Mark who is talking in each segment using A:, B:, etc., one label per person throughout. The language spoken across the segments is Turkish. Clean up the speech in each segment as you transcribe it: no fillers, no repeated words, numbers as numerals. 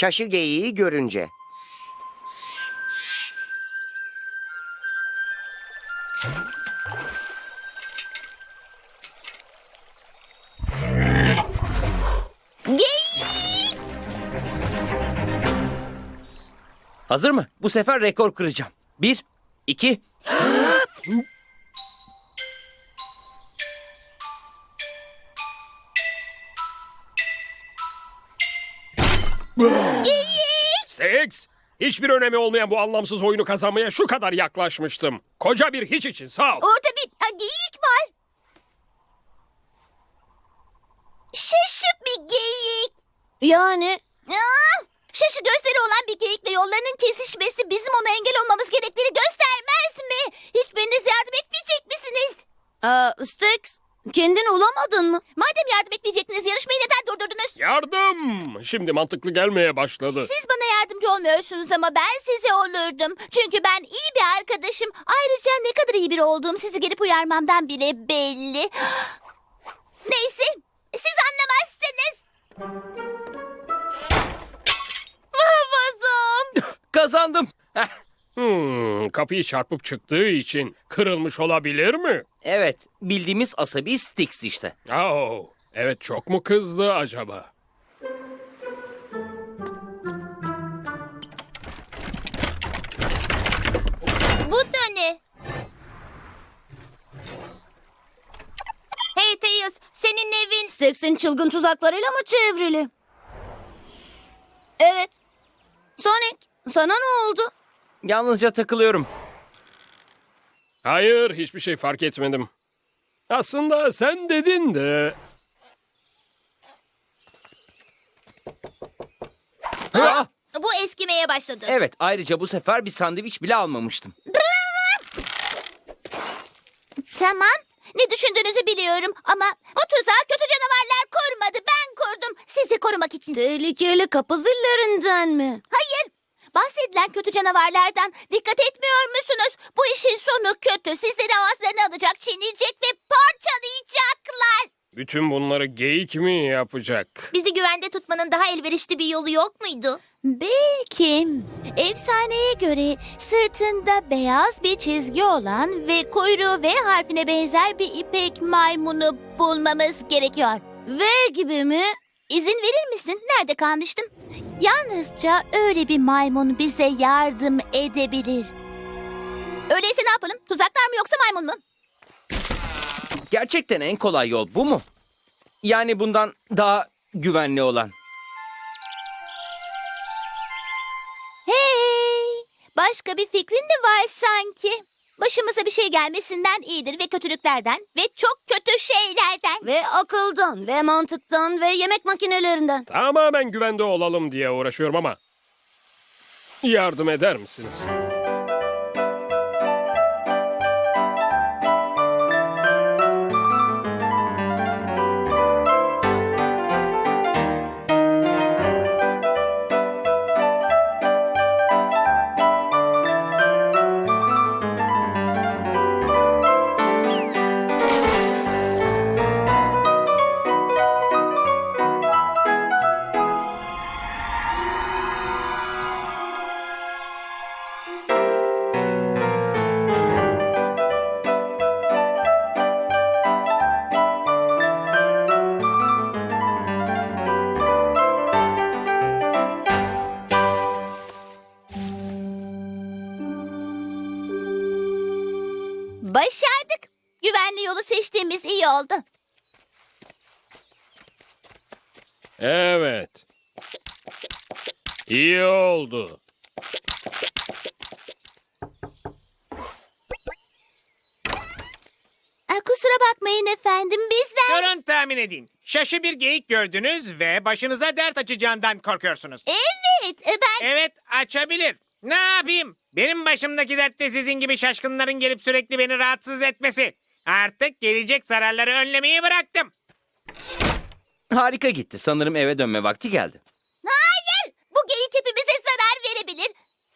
A: Şaşı geyiği görünce.
B: Geyik!
C: Hazır mı? Bu sefer rekor kıracağım. 1, 2...
D: Six, hiçbir önemi olmayan bu anlamsız oyunu kazanmaya şu kadar yaklaşmıştım. Koca bir hiç için sağ ol.
B: Orada bir geyik var. Şaşı bir geyik.
E: Yani
B: Şaşı gözleri olan bir geyikle yollarının kesişmesi bizim ona engel olmamız gerektiğini göstermez mi? Hiçbiriniz yardım etmeyecek misiniz?
E: Stax, kendin olamadın mı?
B: Madem yardım etmeyecektiniz yarışmayı neden durdurdunuz?
D: Yardım! Şimdi mantıklı gelmeye başladı.
B: Siz bana yardımcı olmuyorsunuz ama ben size olurdum. Çünkü ben iyi bir arkadaşım. Ayrıca ne kadar iyi biri olduğum sizi gelip uyarmamdan bile belli. Neyse, siz anlamazsınız. Vazom.
C: Kazandım. Heh,
D: Kapıyı çarpıp çıktığı için kırılmış olabilir mi?
C: evet, bildiğimiz asabi Styx işte.
D: Oh, evet, çok mu kızdı acaba?
B: Bu da ne? Hey Tails, senin evin...
E: Stax'in çılgın tuzaklarıyla mı çevrili? Evet. Sonic, sana ne oldu?
C: Yalnızca takılıyorum.
D: Hayır, hiçbir şey fark etmedim. Aslında sen dedin de...
C: Ah!
B: Bu eskimeye başladı.
C: Evet, ayrıca bu sefer bir sandviç bile almamıştım.
B: Tamam. Ne düşündüğünüzü biliyorum ama bu tuzağı kötü canavarlar kurmadı. Ben kurdum. Sizi korumak için.
E: Tehlikeli kapı zillerinden mi?
B: Hayır. Bahsedilen kötü canavarlardan dikkat etmiyor musunuz? Bu işin sonu kötü. Sizleri ağızlarına alacak, çiğneyecek ve parçalayacaklar.
D: Bütün bunları geyik mi yapacak?
B: Bizi güvende tutmanın daha elverişli bir yolu yok muydu? Belki. Efsaneye göre sırtında beyaz bir çizgi olan ve kuyruğu V harfine benzer bir ipek maymunu bulmamız gerekiyor.
E: V gibi mi?
B: İzin verir misin? Nerede kalmıştım? Yalnızca öyle bir maymun bize yardım edebilir. Öyleyse ne yapalım? Tuzaklar mı yoksa maymun mu?
C: Gerçekten en kolay yol bu mu? Yani bundan daha güvenli olan.
B: Hey! Başka bir fikrin mi var sanki? Başımıza bir şey gelmesinden iyidir ve kötülüklerden ve çok kötü şeylerden.
E: Ve akıldan, ve mantıktan, ve yemek makinelerinden.
D: Tamamen güvende olalım diye uğraşıyorum ama... Yardım eder misiniz?
B: Başardık. Güvenli yolu seçtiğimiz iyi oldu.
D: Evet. İyi oldu.
B: Kusura bakmayın efendim bizden.
F: Durun tahmin edeyim. Şaşı bir geyik gördünüz ve başınıza dert açacağından korkuyorsunuz.
B: Evet ben...
F: Evet, açabilir. Ne yapayım? Benim başımdaki dert de sizin gibi şaşkınların gelip sürekli beni rahatsız etmesi. Artık gelecek zararları önlemeyi bıraktım.
C: Harika gitti. Sanırım eve dönme vakti geldi.
B: Hayır! Bu geyik hepimize zarar verebilir.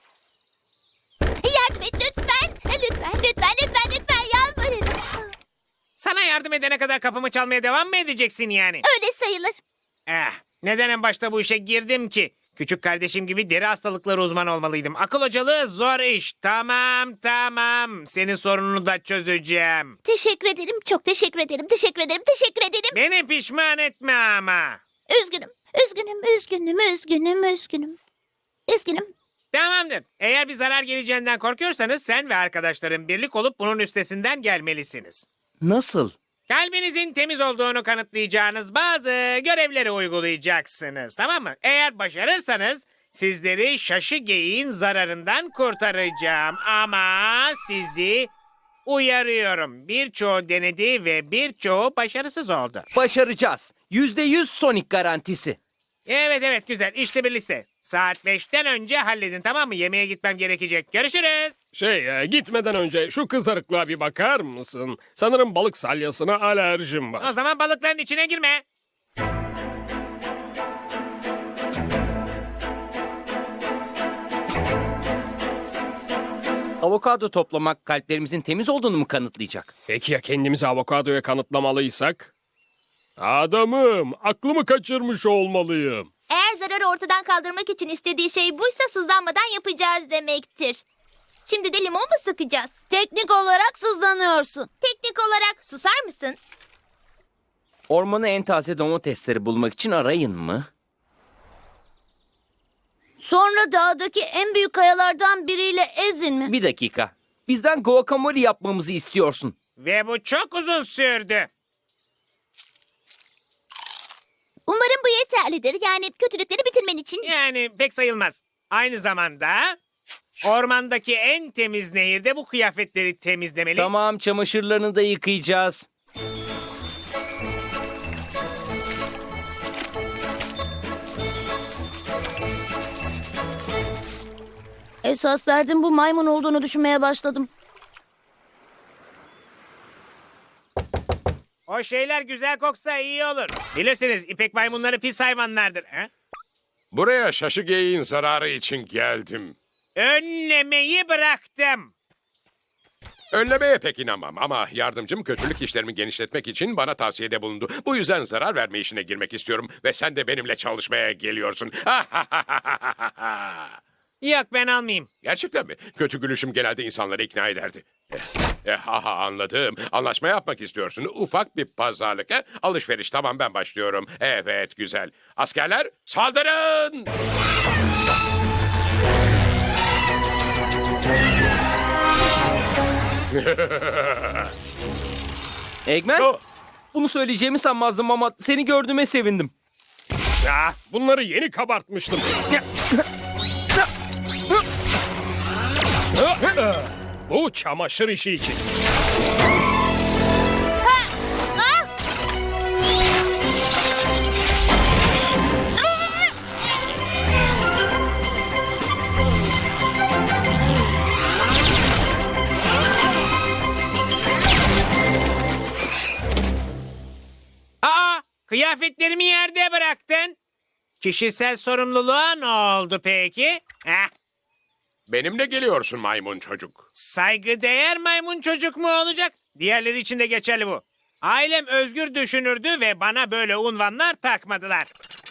B: Yardım et lütfen. Lütfen, lütfen, lütfen, lütfen yalvarırım.
F: Sana yardım edene kadar kapımı çalmaya devam mı edeceksin yani?
B: Öyle sayılır.
F: Neden en başta bu işe girdim ki? Küçük kardeşim gibi deri hastalıkları uzmanı olmalıydım. Akıl hocalığı zor iş. Tamam. Senin sorununu da çözeceğim.
B: Teşekkür ederim, çok teşekkür ederim, teşekkür ederim, teşekkür ederim.
F: Beni pişman etme ama.
B: Üzgünüm, üzgünüm.
F: Tamamdır. Eğer bir zarar geleceğinden korkuyorsanız sen ve arkadaşların birlik olup bunun üstesinden gelmelisiniz.
C: Nasıl?
F: Kalbinizin temiz olduğunu kanıtlayacağınız bazı görevleri uygulayacaksınız. Tamam mı? Eğer başarırsanız sizleri şaşı geyiğin zararından kurtaracağım. Ama sizi uyarıyorum. Birçoğu denedi ve birçoğu başarısız oldu.
C: Başaracağız. %100 Sonic garantisi.
F: Evet güzel. İşte bir liste. Saat 5'ten önce halledin, tamam mı? Yemeğe gitmem gerekecek. Görüşürüz.
D: Gitmeden önce şu kızarıklığa bir bakar mısın? Sanırım balık salyasına alerjim var.
F: O zaman balıkların içine girme.
C: Avokado toplamak kalplerimizin temiz olduğunu mu kanıtlayacak?
D: Peki ya kendimizi avokadoya kanıtlamalıysak? Adamım, aklımı kaçırmış olmalıyım.
B: Eğer zararı ortadan kaldırmak için istediği şey buysa sızlanmadan yapacağız demektir. Şimdi de limon mu sıkacağız?
E: Teknik olarak sızlanıyorsun.
B: Teknik olarak susar mısın?
C: Ormanı en taze domatesleri bulmak için arayın mı?
E: Sonra dağdaki en büyük kayalardan biriyle ezin mi?
C: Bir dakika. Bizden guacamole yapmamızı istiyorsun.
F: Ve bu çok uzun sürdü.
B: Umarım bu yeterlidir. Yani kötülükleri bitirmen için.
F: Yani pek sayılmaz. Aynı zamanda ormandaki en temiz nehirde bu kıyafetleri temizlemeli.
C: Tamam, çamaşırlarını da yıkayacağız.
E: Esas derdim bu maymun olduğunu düşünmeye başladım.
F: O şeyler güzel koksa iyi olur. Bilirsiniz ipek maymunları pis hayvanlardır. Ha?
A: Buraya şaşı geyiğin zararı için geldim.
F: Önlemeyi bıraktım.
A: Önlemeye pek inanmam ama yardımcım kötülük işlerimi genişletmek için bana tavsiyede bulundu. Bu yüzden zarar verme işine girmek istiyorum ve sen de benimle çalışmaya geliyorsun.
F: Yok, ben almayayım.
A: Gerçekten mi? Kötü gülüşüm genelde insanları ikna ederdi. Anladım. Anlaşma yapmak istiyorsun. Ufak bir pazarlık. Alışveriş, tamam, ben başlıyorum. Evet, güzel. Askerler saldırın!
C: Eggman,
A: Oh!
C: bunu söyleyeceğimi sanmazdım ama seni gördüğüme sevindim.
D: Ya, bunları yeni kabartmıştım. Bu çamaşır işi için.
F: Aa, kıyafetlerimi yerde bıraktın. Kişisel sorumluluğa ne oldu peki? Heh,
A: Benimle geliyorsun maymun çocuk.
F: saygıdeğer maymun çocuk mu olacak? Diğerleri için de geçerli bu. Ailem özgür düşünürdü ve bana böyle unvanlar takmadılar.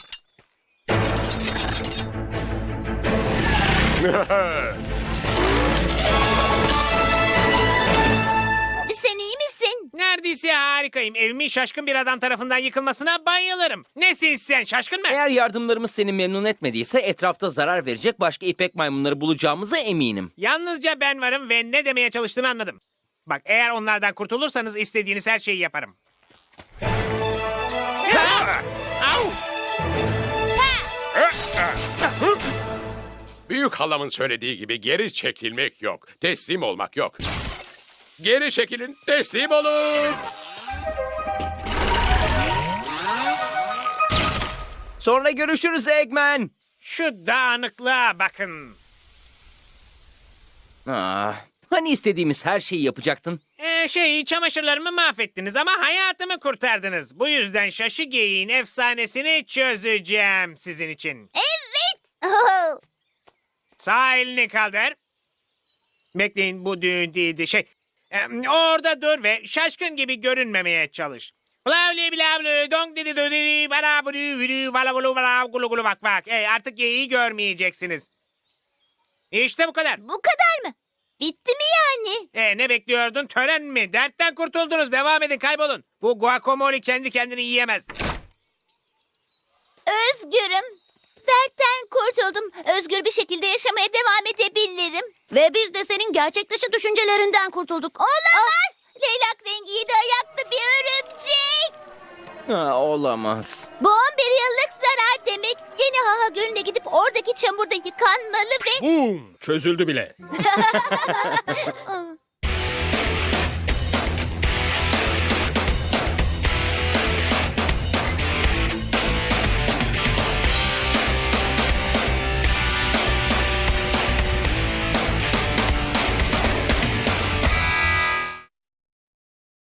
B: Sen iyi misin?
F: Neredeyse harikayım. Evimin şaşkın bir adam tarafından yıkılmasına bayılırım. Nesin sen, şaşkın mı?
C: Eğer yardımlarımız seni memnun etmediyse etrafta zarar verecek başka ipek maymunları bulacağımıza eminim.
F: Yalnızca ben varım ve ne demeye çalıştığını anladım. Bak, eğer onlardan kurtulursanız istediğiniz her şeyi yaparım. Au!
A: Büyük halamın söylediği gibi geri çekilmek yok. Teslim olmak yok. Geri çekilin, teslim olun.
C: Sonra görüşürüz Eggman.
F: Şu dağınıklığa bakın.
C: Hani istediğimiz her şeyi yapacaktın?
F: Çamaşırlarımı mahvettiniz ama hayatımı kurtardınız. Bu yüzden şaşı geyiğin efsanesini çözeceğim sizin için.
B: Oh,
F: Sağ elini kaldır. Bekleyin, bu düğün değildi. Orada dur ve şaşkın gibi görünmemeye çalış. Blavli blavli dong dedi dodi bala bulu vülü vala bulu vala gulu gulu bak bak. Artık geyiği görmeyeceksiniz. İşte bu kadar.
B: Bu kadar mı? Bitti mi yani?
F: Ne bekliyordun? Tören mi? Dertten kurtuldunuz. Devam edin, kaybolun. Bu guacamole kendi kendini yiyemez.
B: Özgürüm. Dertten kurtuldum. Özgür bir şekilde yaşamaya devam edebilirim.
E: Ve biz de senin gerçek dışı düşüncelerinden kurtulduk.
B: Olamaz. Leylak rengi 7 ayaklı bir örümcek.
C: Olamaz.
B: Bu 11 yıllık zarar demek. Yeni Haha Gölü'ne gidip oradaki çamurda yıkanmalı ve...
D: Bum! Çözüldü bile.